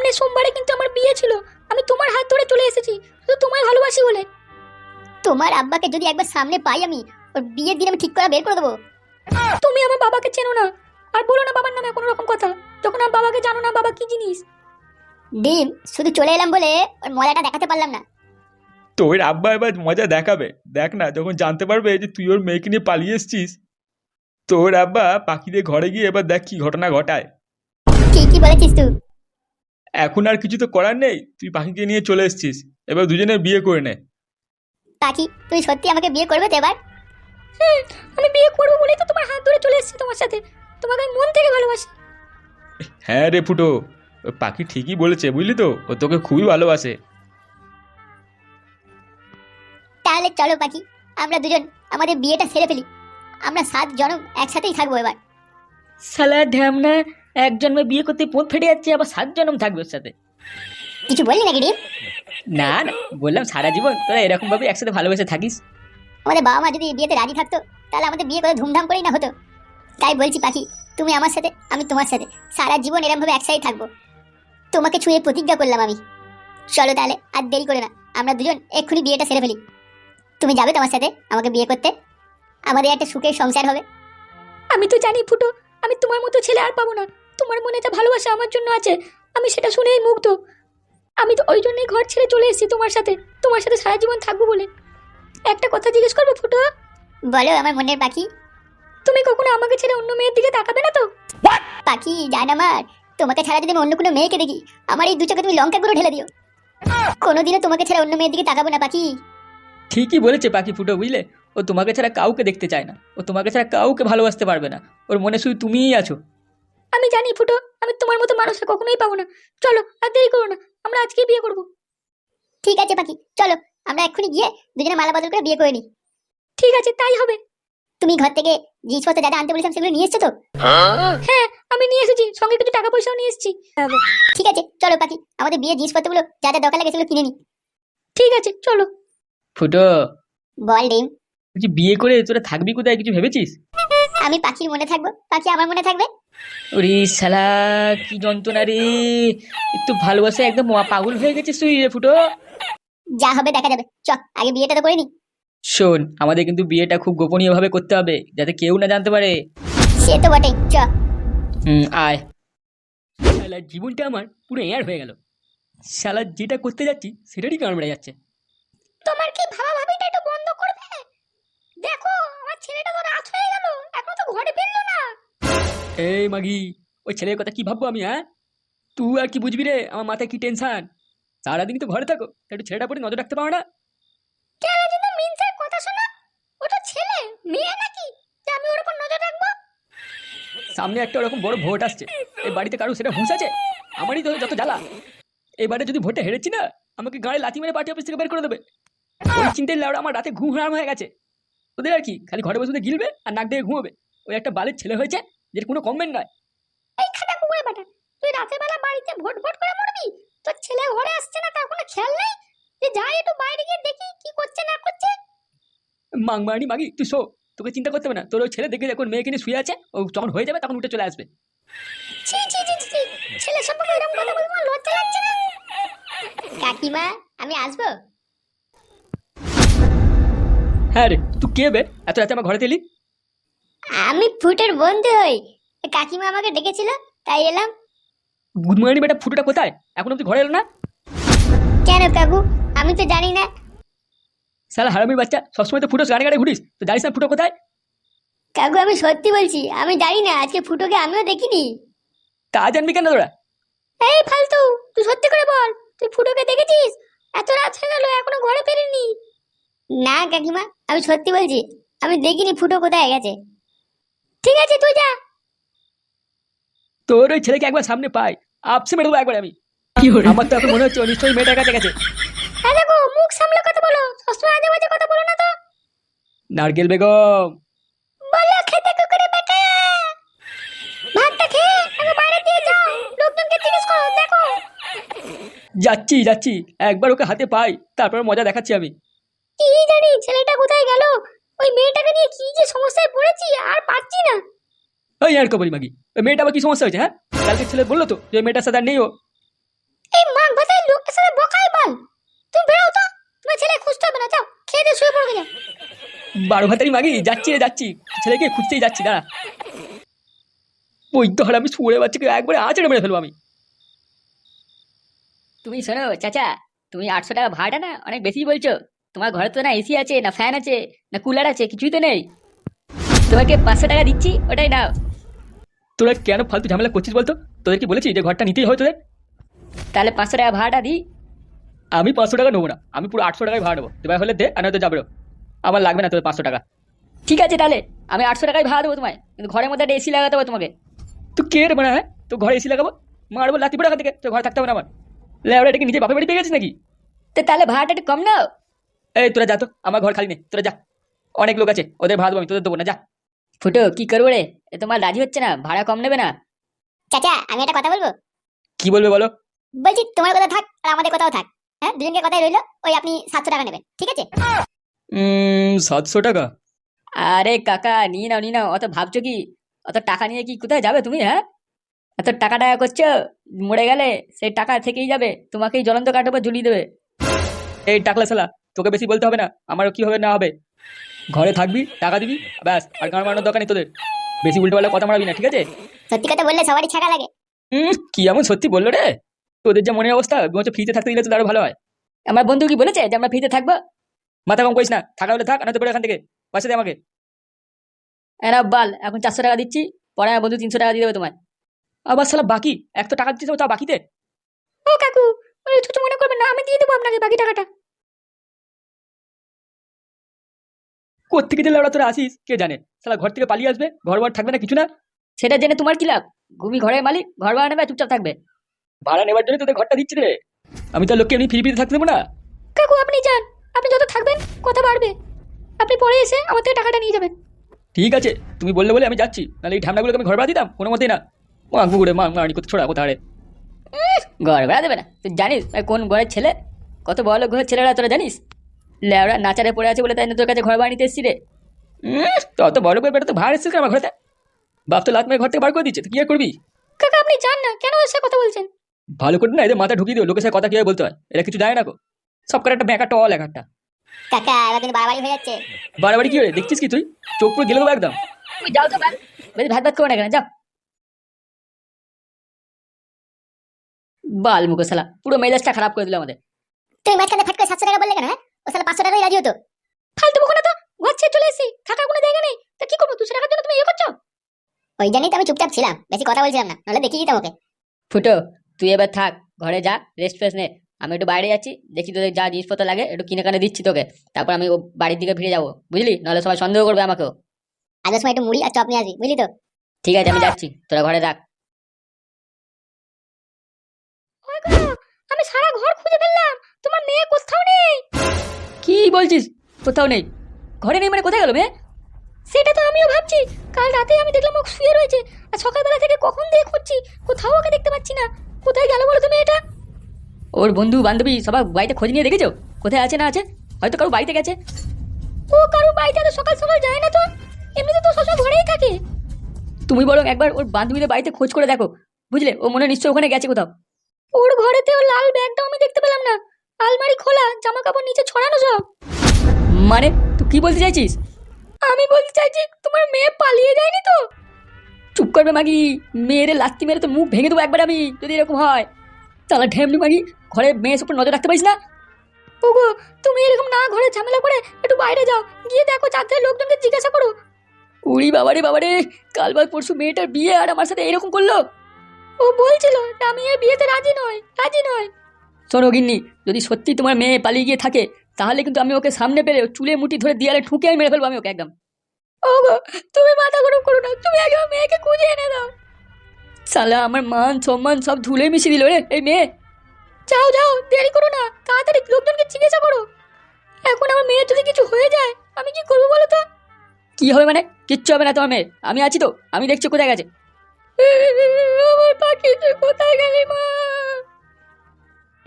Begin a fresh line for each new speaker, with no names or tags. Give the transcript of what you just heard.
সামনে সোমবারে কিন্তু আমার বিয়ে ছিল, আমি তোমার হাত ধরে চলে এসেছি শুধু তোমায় ভালোবাসি বলে।
তোমার আব্বাকে যদি একবার সামনে পাই আমি, ওর বিয়ের দিন আমি ঠিক করে বের করে দেবো।
তুমি আমার বাবাকে চেনো না, আর বলো না বাবার নামে কোনো রকম কথা, যখন আমার বাবাকে জানো না বাবা কি জিনিস।
ডিম, শুধু চলে এলাম বলে ওর মজাটা দেখাতে পারলাম না।
তোর আব্বা এবার মজা দেখাবে, দেখ না যখন জানতে পারবে যে তুই ওর মেয়েকে নিয়ে পালিয়ে এসছিস। তোর আব্বা পাখিদের ঘরে গিয়ে এবার দেখ কি ঘটনা ঘটায়।
ঠিকই বলেছিস তুই।
এখন আর কিছু তো করার নেই, তুই পাখিকে নিয়ে চলে এসছিস, এবার দুজনে বিয়ে করে নে।
পাখি, তুই সত্যি আমাকে বিয়ে করবে তো এবার?
আমি বিয়ে করবো বলেই তো তোমার হাত ধরে চলে এসেছি তোমার সাথে, তোমাকে আমি মন থেকে ভালোবাসি।
হ্যাঁ রে ফুটো, ওই পাখি ঠিকই বলেছে বুঝলি তো, ও তোকে খুবই ভালোবাসে।
তাহলে চলো পাখি, আমরা দুজন আমাদের বিয়েটা সেরে ফেলি। আমরা 7 জনম একসাথেই থাকবো এবার।
শালা ঢ্যামনা, এক জন্মে বিয়ে করতে পোঁত ফেটে যাচ্ছে, আবার 7 জনম থাকবে ওর সাথে।
কিছু বললি নাকি ডিম?
না না, বললাম সারা জীবন তোরা এরকম ভাবে একসাথে ভালোবেসে থাকিস।
আমাদের বাবা মা যদি বিয়েতে রাজি থাকতো তাহলে আমাদের বিয়ে করে ধুমধাম করেই না হতো। তাই বলছি পাখি, তুমি আমার সাথে, আমি তোমার সাথে সারা জীবন এরকম ভাবে একসাথে থাকবো। তোমাকে ছুঁয়ে প্রতিজ্ঞা করলাম আমি। চলো তাহলে আর দেরি করে না, আমরা দুজন এক্ষুনি বিয়েটা সেরে ফেলি। তুমি যাবে তো আমার সাথে আমাকে বিয়ে করতে? আমাদের একটা সুখের সংসার হবে।
আমি তো জানি ফুটো, আমি তোমার মতো ছেলে আর পাবো না। তোমার মনে যা ভালোবাসা আমার জন্য আছে, আমি সেটা শুনেই মুগ্ধ। আমি তো ওই জন্যই ঘর ছেড়ে চলে এসেছি তোমার সাথে সারা জীবন থাকবো বলে। একটা কথা জিজ্ঞেস করবো ফুটো?
বলো আমার মনের পাখি।
তুমি কখনো আমাকে ছেড়ে অন্য মেয়ের দিকে তাকাবে না তো?
পাখি জান আমার, তোমাকে ছাড়া যদি আমি অন্য কোনো মেয়েকে দেখি, আমার এই দু চোখে তুমি লঙ্কা গুঁড়ো ঢেলে দিও। কোনোদিনও তোমাকে ছাড়া অন্য মেয়ের দিকে তাকাবো না পাখি।
ঠিকই বলেছে পাখি ফুটো, বুঝলে? ও তোমাকে ছাড়া কাউকে দেখতে চায় না, ও তোমাকে ছাড়া কাউকে ভালোবাসতে পারবে না, ওর মনে শুধু তুমিই আছো।
আমি জানি ফুটো, আমি তোমার মতো মানুষকে কখনোই পাবো না। চলো আর দেরি করো না, আমরা আজকেই বিয়ে করবো।
ঠিক আছে পাখি, চলো আমরা এক্ষুনি গিয়ে দুজনে মালা বদল করে বিয়ে করে নিই।
ঠিক আছে, তাই হবে।
তুমি ঘর থেকে জিনিসপত্র যা যা আনতে বলেছিলাম সেগুলো নিয়ে এসছো তো?
হ্যাঁ, আমি নিয়ে এসেছি, সঙ্গে কিছু টাকা পয়সাও নিয়ে এসেছি।
ঠিক আছে চলো পাখি, আমাদের বিয়ের জিনিসপত্রগুলো যা যা দরকার লাগে সেগুলো কিনে নি।
ঠিক আছে চলো।
ফুটো,
বল ডিম।
বলছি বিয়ে করে তোরা থাকবি কোথায়, কিছু ভেবেছিস?
আমি পাখির মনে থাকবো, পাখি আমার মনে থাকবে।
ওরে শালা, কি যন্ত্রণা রে! একটু ভালোবাসা একদম পাগল হয়ে গেছিস তুই রে ফুটো।
যা হবে দেখা যাবে, চ আগে বিয়েটা তো করে নি।
শোন, আমাদের কিন্তু বিয়েটা খুব গোপনীয় ভাবে করতে হবে, যাতে কেউ না জানতে পারে।
সে তো বটেই, চ।
আয়। শালা জীবনটা আমার পুরো এয়ার হয়ে গেল। শালা যেটা করতে যাচ্ছি সেটারই কারণ বেড়ে যাচ্ছে।
তোমার কি ভাবা ভাবিটা একটু বন্ধ করবে? দেখো আমার ছেলেটা তো রাত হয়ে গেল, এখনো তো ঘরে ফিরলো না।
এই মাগি, ওই ছেলের কথা কি ভাববো আমি? হ্যাঁ, তুই আর কি বুঝবি রে, আমার মাথায় কি টেনশন। সারাদিন তো ঘরে থাকো, একটু ছেলেটা পরে নজর রাখতে পারো না?
কেন যদি মিনসের কথা শোনা, ওটা ছেলে মেয়ে নাকি যে আমি ওর উপর নজর রাখবো?
সামনে একটা ওরকম বড় ভোট আসছে, এই বাড়িতে কারো সেটা হুঁশ আছে? আমারই তো যত জ্বালা। এবারে যদি ভোটে হেরেছি না, আমাকে গাড়ি লাথি মেরে পার্টি অফিস থেকে বের করে দেবে। ওই চিন্তায় লাউড়া আমার রাতে ঘুম হারাম হয়ে গেছে। ওদের আর কি, খালি ঘরে বসে গিলবে আর নাক দিয়ে ঘুমোবে। ওই একটা বালের ছেলে হয়েছে, যেটা কোনো কমবেন নয়।
এই খাটা কুকুরে বেটা, তুই রাতের বেলা বাড়িতে ভোট ভোট করে মরবি? তোর ছেলে ঘরে আসছে না তার কোনো খেয়াল নেই যে যাই একটু বাইরে গিয়ে দেখি কি করছে না করছে?
মাংমারানি মাগি, তুই শো, তোকে চিন্তা করতে হবে না। তোর ওই ছেলে দেখে যখন মেয়েকে নিয়ে শুয়ে আছে, ও যখন হয়ে যাবে তখন উঠে চলে আসবে।
ছি ছি ছি ছি, ছেলে সম্পর্কে এরকম কথা বলতে আমার লজ্জা লাগছে না?
কাকিমা, আমি আসবো?
হ্যাঁ রে, তুই কে বে এত রাতে আমার ঘরে এলি?
আমি ফুটের বন্ধু হই, কাকিমা আমাকে ডেকেছিল তাই এলাম।
গুদমারানি বেটা ফুটোটা কোথায়, এখন অব্দি ঘরে এলো না?
কেন কাকু, আমি তো জানি না।
শালা হারামির বাচ্চা, সবসময় তো ফুটো গাড়ি গাড়ি ঘুরিস, তো জানিস না ফুটো কোথায়?
কাকু আমি সত্যি বলছি, আমি জানি না, আজকে ফুটোকে আমিও দেখিনি।
তা জানবি কেন তোরা?
এই ফালতু, তুই সত্যি করে বল, তুই ফুটোকে দেখেছিস? এত রাত হয়ে গেল এখনো ঘরে ফেরেনি।
না কাকিমা, আমি সত্যি বলছি, আমি দেখিনি ফুটো কোথায় গেছে।
ঠিক আছে তুই যা।
তোর ওই ছেলেকে একবার সামনে পাই, আপসে মেরে দেবো একবার আমি। আমার তো এখন মনে হচ্ছে ও নিশ্চয়ই মেয়েটার কাছে গেছে।
হ্যাঁ দেখো, মুখ সামলে কথা বলো, সবসময় আজে বাজে কথা বলো না তো।
নারকেল বেগম,
বলো খেতে কুকুরে বেটা, ভাতটা খেয়ে আগে বাইরে দিয়ে যাও, লোকজনকে জিজ্ঞেস করো দেখো।
যাচ্ছি যাচ্ছি, একবার ওকে হাতে পাই তারপর মজা দেখাচ্ছি আমি।
কি জানি ছেলেটা কোথায় গেল, ওই মেয়েটাকে নিয়ে কি যে সমস্যায় পড়েছি আর পারছি না।
ওই আর কবরি মাগি, ওই মেয়েটা আবার কি সমস্যা হয়েছে? হ্যাঁ, কালকে ছেলে বললো তো যে ওই মেয়েটার সাথে আর নেই ও।
এই মাগ ভাতার লোকের সাথে বকাই বল। তুমি বেরো তো, তোমার ছেলে খুঁজতে হবে না, যাও খেয়ে দিয়ে শুয়ে পড়বে, যাও।
12 ভাতারি মাগি যাচ্ছি রে যাচ্ছি, ছেলেকে খুঁজতেই যাচ্ছি, দাঁড়া। ওই তো আমি শুয়ে বাচ্চাকে একবারে আঁচড়ে মেরে ফেলবো আমি।
তুমি শোনো চাচা, তুমি 800 টাকা ভাড়া না অনেক বেশি বলছো। তোমার ঘরে তো না এসি আছে, না ফ্যান আছে, না কুলার আছে, কিছুই তো নেই। তোমাকে 500 টাকা দিচ্ছি, ওটাই নাও।
তোরা কেন ফালতু ঝামেলা করছিস বলতো? তোদের কি বলেছি যে ঘরটা নিতেই হয় তোদের?
তাহলে 500 টাকা ভাড়াটা দিই।
আমি 500 টাকা নেবো না, আমি পুরো 800 টাকায় ভাড়া দেবো। দেবার হলে দে, আর নয়তো যাবে। আমার লাগবে না তোদের 500 টাকা।
ঠিক আছে তাহলে আমি 800 টাকায় ভাড়া দেবো তোমায়, কিন্তু ঘরের মধ্যে একটা এসি লাগাতে হবে তোমাকে।
তুই কে রে মানে? হ্যাঁ, তো ঘরে এসি লাগাবো, মারবো লাতি পড়ে থেকে, তো ঘরে থাকতে হবে না আমার। লেওড়া এটাকে নিজে বাপের বাড়ি পেয়ে গেছিস নাকি?
তো তাহলে ভাড়াটা একটু কম নাও।
এই তোরা যা তো, আমার ঘর খালি নেই, তোরা যা। অনেক লোক আছে, ওদের ভাড়া দেবো আমি, তোদের দেবো না, যা।
ফুটো কি করবো রে, এ তোমার রাজি হচ্ছে না, ভাড়া কম নেবে না?
চাচা আমি একটা কথা বলবো।
কি বলবে বলো?
বলছি তোমার কথা থাক আর আমাদের কথাও থাক, হ্যাঁ দুজনকে কথাই রইলো। ওই আপনি 700 টাকা নেবেন, ঠিক আছে?
700 টাকা?
আরে কাকা নিয়ে নাও নিয়ে নাও, অত ভাবছো কি? অত টাকা নিয়ে কি কোথায় যাবে তুমি? হ্যাঁ, এত টাকা টাকা করছো, মরে গেলে সেই টাকা থেকেই যাবে, তোমাকেই জ্বলন্ত কাঠের উপর ঝুলিয়ে দেবে।
এই টাকলা শালা, তোকে বেশি বলতে হবে না আমারও কি হবে না হবে। ঘরে থাকবি, টাকা দিবি, ব্যাস। আর গান মারানোর দরকার নেই তোদের, বেশি উল্টো পাল্টা কথা মারাবি না, ঠিক আছে?
সত্যি কথা বললে সবারই ছাকা লাগে।
কি এমন সত্যি বললো রে? তোদের যে মনের অবস্থা, বলছে ফ্রিতে থাকতে দিলে তো আরো ভালো হয়।
আমার বন্ধু কি বলেছে যে আমরা ফ্রিতে থাকবো?
মাথা কম করিস না, থাকা হলে থাক, নয়তো বেরো এখান থেকে, পয়সা দে আমাকে।
এরা বাল, এখন 400 টাকা দিচ্ছি, পরে আমার বন্ধু 300 টাকা দিয়ে দেবে তোমায়।
আবার শালা বাকি, এক তো টাকা দিচ্ছিস তা বাকিতে।
ও কাকু, কিছু মনে করবেন না, আমি দিয়ে দেবো আপনাকে বাকি টাকাটা।
কোত্থেকে যে লেওড়া তোরা আসিস কে জানে, শালা ঘর থেকে পালিয়ে আসবে, ঘর বার থাকবে না কিছু না।
সেটা জেনে তোমার কি লাভ? ঘুমি ঘরের মালিক, ঘর ভাড়া নেবে, চুপচাপ থাকবে।
ভাড়া নেবার জন্য তোদের ঘরটা দিচ্ছি রে, আমি তো লোককে এমনি ফ্রি ফ্রিতে থাকতে দেবো না।
কাকু আপনি যান, আপনি যত থাকবেন কথা বাড়বে, আপনি পরে এসে আমার থেকে টাকাটা নিয়ে যাবেন।
ঠিক আছে, তুমি বললে বলে আমি যাচ্ছি, নাহলে এই ঢ্যামনাগুলোকে আমি ঘর ভাড়া দিতাম কোনো মতেই না। মাংবু করে মানি করতে ছোড়া কোথা রে।
ঘর ভাড়া দেবে না? তুই জানিস আমি কোন ঘরের ছেলে? কত বড় লোক ঘরের ছেলেরা তোরা জানিস? লেওরা নাচারে পড়ে আছে বলে তাই না তোর কাছে ঘর ভাড়া নিতে এসছি রে।
তো অত বড় করে বেটা তো ভাড়া এসেছিস কেন আমার ঘরেতে? বাপ তো লাত মেরে ঘর থেকে বার করে দিচ্ছে, তো কি আর করবি?
কাকা আপনি যান না, কেন এসে কথা বলছেন?
ভালো করে না এদের মাথা ঢুকিয়ে দিও, লোকের সাথে কথা কিভাবে বলতে হয়, এরা কিছু জানে না গো। সব করে একটা ব্যাঁকা টল এক একটা।
কাকা এবার কিন্তু বাড়াবাড়ি হয়ে যাচ্ছে।
বাড়াবাড়ি কি হয়ে দেখছিস কি তুই? চোখ পুরো গেলে দেবো একদম।
তুমি যাও তো ভাই, বেশি ভাত ভাত করো না কেন, যাও। বাল মুখো শালা, পুরো মেজাজটা খারাপ করে দিল আমাদের।
তুমি মাঝখানে ফট করে 700 টাকা বললে কেন? হ্যাঁ ও শালা 500 টাকাই রাজি হতো।
ফালতু বকো না তো, ঘর ছেড়ে চলে এসেছি, থাকার কোনো জায়গা নেই, তা কি করবো? 200 টাকার জন্য তুমি করছো?
ওই জন্যই তো আমি চুপচাপ ছিলাম, বেশি কথা বলছিলাম না, নাহলে দেখিয়ে দিতাম ওকে।
ফুটো তুই এবার থাক, ঘরে যা, রেস্ট ফেস্ট নে। আমি একটু বাইরে যাচ্ছি, দেখি তোদের যা জিনিসপত্র লাগে একটু কিনে কানে দিচ্ছি তোকে, তারপর আমি ও বাড়ির দিকে ফিরে যাবো, বুঝলি? নাহলে সবাই সন্দেহ করবে আমাকেও।
আগে সময় একটু মুড়ি আর চপ নিয়ে আসবি, বুঝলি তো?
ঠিক আছে আমি যাচ্ছি, তোরা ঘরে থাক। আমি সারা ঘর খুঁজে ফেললাম, তোমার মেয়ে কোথাও নেই। কি বলছিস? কোথাও নেই? ঘরে নেই মানে কোথায় গেল মেয়ে? সেটা তো আমিও ভাবছি, কাল রাতে আমি দেখলাম ও শুয়ে রয়েছে, আর সকালবেলা থেকে কখন দিয়ে খুঁজছি, কোথাও ওকে দেখতে পাচ্ছি না। কোথায় গেল বলো তুমি? এটা ওর বন্ধু বান্ধবী সবাই বাড়িতে খোঁজ নিয়ে দেখেছো কোথায় আছে না আছে? হয়তো কারো বাড়িতে গেছে। ও কারো বাড়িতে তো সকাল সকাল যায় না তো, এমনিতে তো সবসময় ঘরেই থাকে। তুমি বরং একবার ওর বান্ধবীদের বাড়িতে খোঁজ করে দেখো, বুঝলে? ও মনে হয় নিশ্চয়ই ওখানে গেছে কোথাও। ওর ঘরেতে ওর লাল ব্যাগটাও আমি দেখতে পেলাম না, আলমারি খোলা, জামা কাপড় নিচে ছড়ানো সব। মানে তুই কি বলতে চাইছিস? আমি বলতে চাইছি তোমার মেয়ে পালিয়ে যায়নি তো? চুপ করবে মাগি, মেয়েরে লাত্তি মেরে তো মুখ ভেঙে দেবো একবার আমি যদি এরকম হয়। তাহলে ঢেমনি মাগি, ঘরে মেয়ের উপর নজর রাখতে পারিস না? ওগো তুমি এরকম না ঘরে ঝামেলা করে একটু বাইরে যাও, গিয়ে দেখো চারটে লোকজনকে জিজ্ঞাসা করো। উড়ি বাবারে বাবারে, কাল বাদ পরশু মেয়েটার বিয়ে আর আমার সাথে এরকম করলো। ও বলছিল আমি এই বিয়েতে রাজি নয়, রাজি নয়। শোনো গিন্নি, যদি সত্যি তোমার মেয়ে পালিয়ে গিয়ে থাকে, তাহলে কিন্তু আমি ওকে সামনে পেলে চুলে মুঠি ধরে দিয়ালে ঠুকে আমি মেরে ফেলবো আমি ওকে একদম। ওগো তুমি মাথা গরম করো না, তুমি আগে আমার মেয়েকে খুঁজে এনে দাও। শালা আমার মান সম্মান সব ধুলে মিশিয়ে দিল রে এই মেয়ে। যাও যাও, দেরি করো না, তাড়াতাড়ি লোকজনকে জিজ্ঞাসা করো। এখন আমার মেয়ের যদি কিছু হয়ে যায় আমি কি করবো বলো তো? কি হবে মানে? কিচ্ছু হবে না তোমার মেয়ের, আমি আছি তো, আমি দেখছি কোথায় গেছে। আমার পাখি তুই কোথায় গেলি মা?